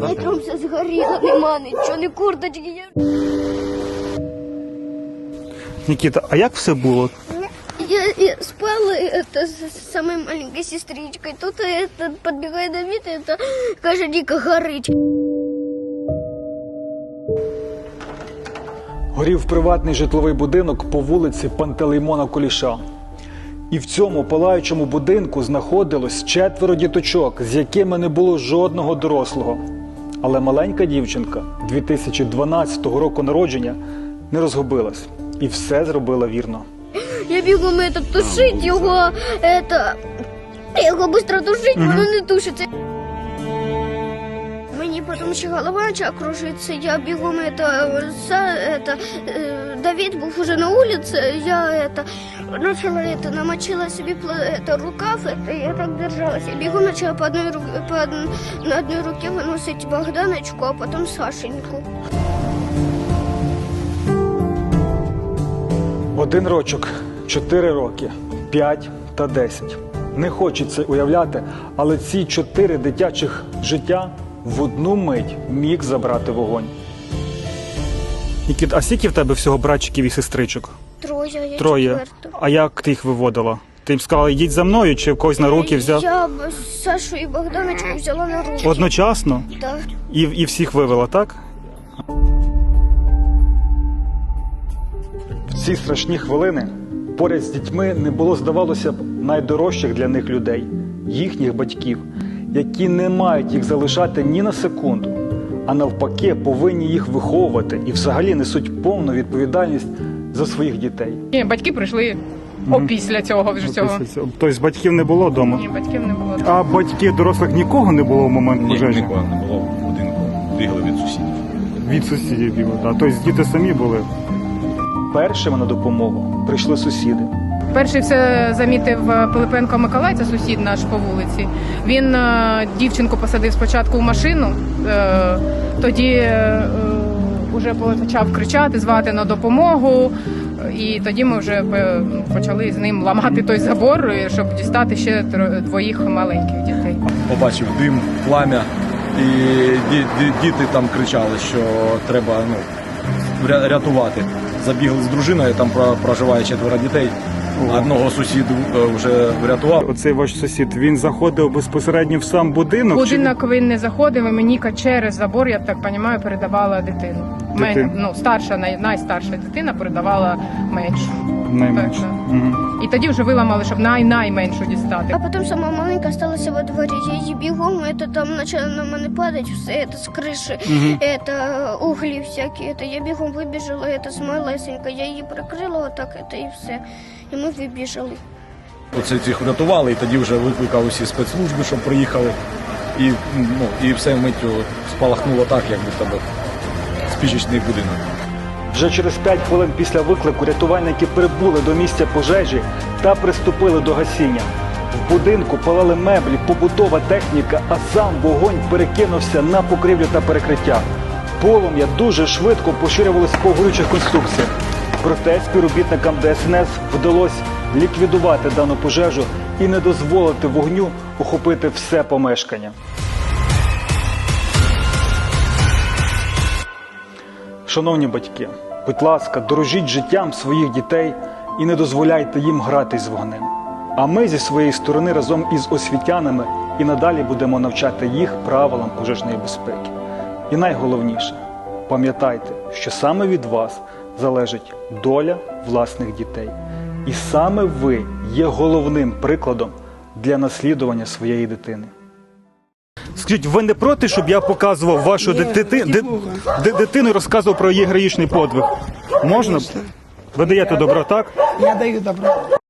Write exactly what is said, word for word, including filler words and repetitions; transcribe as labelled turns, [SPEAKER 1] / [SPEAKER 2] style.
[SPEAKER 1] сказати?
[SPEAKER 2] Утром все згоріло, нема нічого, ні курточки.
[SPEAKER 1] Нікіта, а як все було?
[SPEAKER 2] Я, я спала это, с самой маленькой сестричкой. Тут это, подбегает Давид, это, каже, дико горить.
[SPEAKER 3] Горів приватний житловий будинок по вулиці Пантелеймона Куліша. І в цьому палаючому будинку знаходилось четверо діточок, з якими не було жодного дорослого. Але маленька дівчинка дві тисячі дванадцятого року народження не розгубилась і все зробила вірно.
[SPEAKER 2] Я бігом это, тушить його, это, його швидко тушить,
[SPEAKER 1] Мгм.
[SPEAKER 2] воно не тушиться. Мені потім ще голова почала кружитися, я бігом это, за, это, э, Давид був уже на вулиці, я это, начала это, намочила собі это, рукав, это, я так держалась, я бігом почала по одній, ру- по од- на одній руці виносити Богданочку, а потім Сашеньку.
[SPEAKER 3] Один рочок, чотири роки, п'ять та десять. Не хочеться уявляти, але ці чотири дитячих життя в одну мить міг забрати вогонь.
[SPEAKER 1] Нікіта, а скільки в тебе всього братчиків і сестричок?
[SPEAKER 2] Троє, я
[SPEAKER 1] Троє.
[SPEAKER 2] четверта.
[SPEAKER 1] А як ти їх виводила? Ти їм сказала, йдіть за мною, чи в когось на руки взяв?
[SPEAKER 2] Я б Сашу і Богданочку взяла на руки.
[SPEAKER 1] Одночасно?
[SPEAKER 2] Да.
[SPEAKER 1] І, і всіх вивела, так?
[SPEAKER 3] В ці страшні хвилини поряд з дітьми не було, здавалося б, найдорожчих для них людей – їхніх батьків, які не мають їх залишати ні на секунду, а навпаки повинні їх виховувати і взагалі несуть повну відповідальність за своїх дітей.
[SPEAKER 4] Ні, батьки прийшли опісля цього вже цього.
[SPEAKER 1] Тобто батьків не було вдома?
[SPEAKER 4] Ні, батьків не було.
[SPEAKER 1] А батьків дорослих нікого не було в момент
[SPEAKER 5] Ні,
[SPEAKER 1] пожежі?
[SPEAKER 5] нікого не було в будинку. Бігали від сусідів.
[SPEAKER 1] Від сусідів бігли, так. Тобто діти самі були?
[SPEAKER 3] Першими на допомогу прийшли сусіди.
[SPEAKER 4] Перший все замітив Пилипенко Миколай, це сусід наш по вулиці. Він е, дівчинку посадив спочатку в машину, е, тоді е, вже почав кричати, звати на допомогу. І тоді ми вже е, почали з ним ламати той забор, щоб дістати ще тро- двоїх маленьких дітей.
[SPEAKER 5] Побачив дим, плам'я, і ді- ді- діти там кричали, що треба ну, ря- рятувати. Забігли з дружиною, там про- проживає четверо дітей. Одного сусіду е, вже врятував.
[SPEAKER 1] Оцей ваш сусід, він заходив безпосередньо в сам будинок?
[SPEAKER 4] Будинок він не заходив, і мені через забор, я так розумію, передавала дитину. Мен,
[SPEAKER 1] Дитину.
[SPEAKER 4] ну, старша, най, найстарша дитина передавала меншу.
[SPEAKER 1] Чи найменше?
[SPEAKER 4] Так,
[SPEAKER 1] Угу.
[SPEAKER 4] І тоді вже виламали, щоб най-найменшу дістати.
[SPEAKER 2] А потім сама маленька осталася во дворі. Я її бігом, это, там почало на мене падати все, это, з криші,
[SPEAKER 1] Мгм.
[SPEAKER 2] это, углі всякі. Это, я бігом вибіжала, это, з малесенька. Я її прикрила отак, это, і все. І ми вибіжали.
[SPEAKER 5] Оце цих врятували, і тоді вже викликав усі спецслужби, щоб приїхали. І, ну, і все миттю спалахнуло так, як будто би спічечний будинок.
[SPEAKER 3] Вже через п'ять хвилин після виклику рятувальники прибули до місця пожежі та приступили до гасіння. В будинку палали меблі, побутова техніка, а сам вогонь перекинувся на покрівлю та перекриття. Полум'я дуже швидко поширювалося по горючих конструкціях. Проте співробітникам Де Ес Ен Ес вдалося ліквідувати дану пожежу і не дозволити вогню охопити все помешкання. Шановні батьки, будь ласка, дорожіть життям своїх дітей і не дозволяйте їм гратись з вогнем. А ми зі своєї сторони разом із освітянами і надалі будемо навчати їх правилам пожежної безпеки. І найголовніше, пам'ятайте, що саме від вас залежить доля власних дітей. І саме ви є головним прикладом для наслідування своєї дитини.
[SPEAKER 1] Скажіть, ви не проти, щоб я показував вашу дити- ди- ди- дитину і розказував про її героїчний подвиг? Можна? Ви даєте добро, так?
[SPEAKER 6] Я даю добро.